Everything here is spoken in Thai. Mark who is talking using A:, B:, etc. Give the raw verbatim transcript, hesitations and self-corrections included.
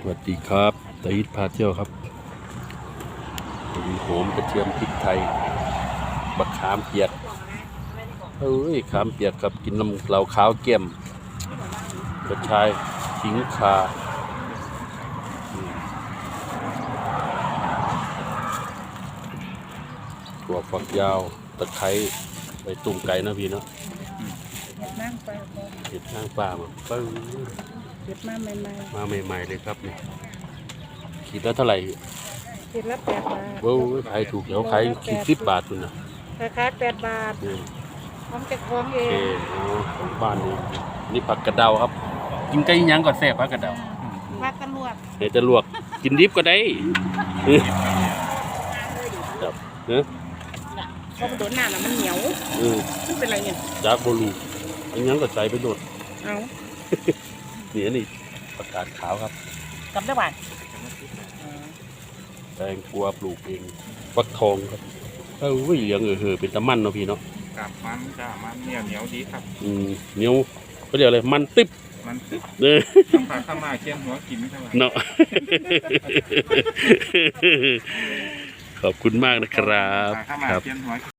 A: สวัสดีครับตาอิทพาเที่ยวครับมีโหอมกระเทียมพริกไทยบักขามเปียกเอ้ยขามเปียกครับกินน้ำเหลาขาวเกี่ยมกระชายขิงข่าถั่วฝักยาวตะไคร้ไปตุ่มไก่นะพี่เนาะ
B: เห็ดนางฟ้าบ่
A: เห็ดทางป่ามาปึ้ง
B: เห็ดมาใหม่
A: มาใหม่ๆเลยครับเนี่ยขีดละเท่าไหร่
B: ๆเห็ดละแปดบาท
A: ว้าวขายถูกแล้วขายขีดสิบบาทคุณนะ
B: ราคาแปดบาท
A: นี่
B: พร้อมจะคล้องเอ
A: โอเค
B: ง
A: เอาของบ้านนี่นี่ผักกระเดาครับ กินไก่ยังก่อนแซ่บผักกระเดา
B: ผักกระลวก
A: เดี๋ยวจะลวกกินดิบก็ได้ครับเนอะ
B: เพราะมันโดนหน้าน่ะมันเหนียว
A: เออ
B: มันเป็นไรเนี่ย
A: จากโบลูอันยังก็ใส่ไปโดด
B: เอา
A: นี่อันนี้ผักกาดขาวครับ
B: กลับได้บ้าน
A: แตงกวาปลูกเองฟักทองครับเออเหลืองเออเออเป็นตะมันเนาะพี่เนาะ
C: กับมันจ้ามันเหนียวเหนียวดีครับ
A: อืมเหนียวเขาเรียกอะไรมันติ๊บ
C: มันตึก
A: เนอะ
C: ต้องพาเข้ามาเคี่ยนหัวกินเท่าไหร่
A: เนาะ ขอบคุณมากนะครับ
C: พาเข้ามา
A: ครับ
C: เคี่ยนหัว